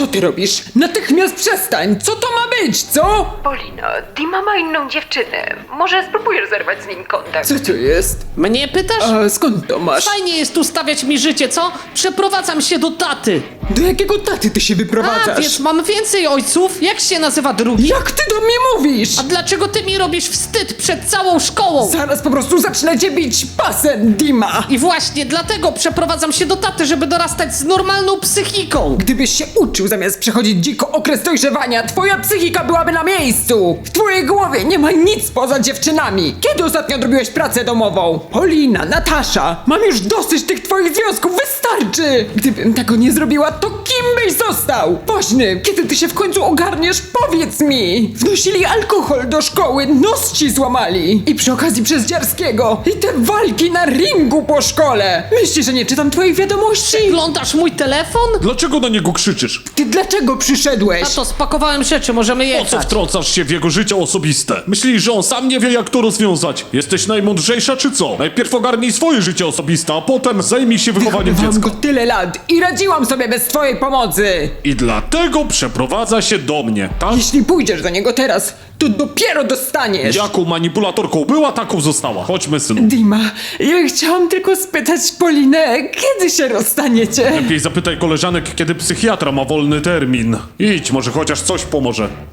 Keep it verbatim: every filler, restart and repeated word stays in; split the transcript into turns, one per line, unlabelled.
Co ty robisz? Natychmiast przestań! Co to ma być, co?
Polino, Dima ma inną dziewczynę. Może spróbujesz zerwać z nim kontakt?
Co to jest?
Mnie pytasz?
A skąd to masz?
Fajnie jest tu stawiać mi życie, co? Przeprowadzam się do taty.
Do jakiego taty ty się
A,
wyprowadzasz?
wiesz, mam więcej ojców. Jak się nazywa drugi?
Jak ty do mnie mówisz?
A dlaczego ty mi robisz wstyd przed całą szkołą?
Zaraz po prostu zacznę cię bić pasem, Dima!
I właśnie dlatego przeprowadzam się do taty, żeby dorastać z normalną psychiką.
Gdybyś się uczył zamiast przechodzić dziko okres dojrzewania, twoja psychika byłaby na miejscu! W twojej głowie nie ma nic poza dziewczynami! Kiedy ostatnio odrobiłeś pracę domową? Polina, Natasza, mam już dosyć tych twoich związków, wystarczy! Gdybym tego nie zrobiła, to kim byś został? Woźny, kiedy ty się w końcu ogarniesz, powiedz mi! Wnosili alkohol do szkoły, nos ci złamali! I przy okazji przez Dziarskiego! I te walki na ringu po szkole! Myślisz, że nie czytam twoich wiadomości?
Oglądasz mój telefon?
Dlaczego na niego krzyczysz?
Ty dlaczego przyszedłeś?
Tato, spakowałem rzeczy, możemy
Po co
jechać.
wtrącasz się w jego życie osobiste? Myślisz, że on sam nie wie, jak to rozwiązać? Jesteś najmądrzejsza, czy co? Najpierw ogarnij swoje życie osobiste, a potem zajmij się wychowaniem
Wychowywałam
dziecka.
go tyle lat i radziłam sobie bez twojej pomocy!
I dlatego przeprowadza się do mnie, tak?
Jeśli pójdziesz do niego teraz, to dopiero dostaniesz!
Jaką manipulatorką była, taką została. Chodźmy, synu.
Dima, ja chciałam tylko spytać Polinę, kiedy się rozstaniecie?
Lepiej zapytaj koleżanek, kiedy psychiatra ma wolny termin. Idź, może chociaż coś pomoże.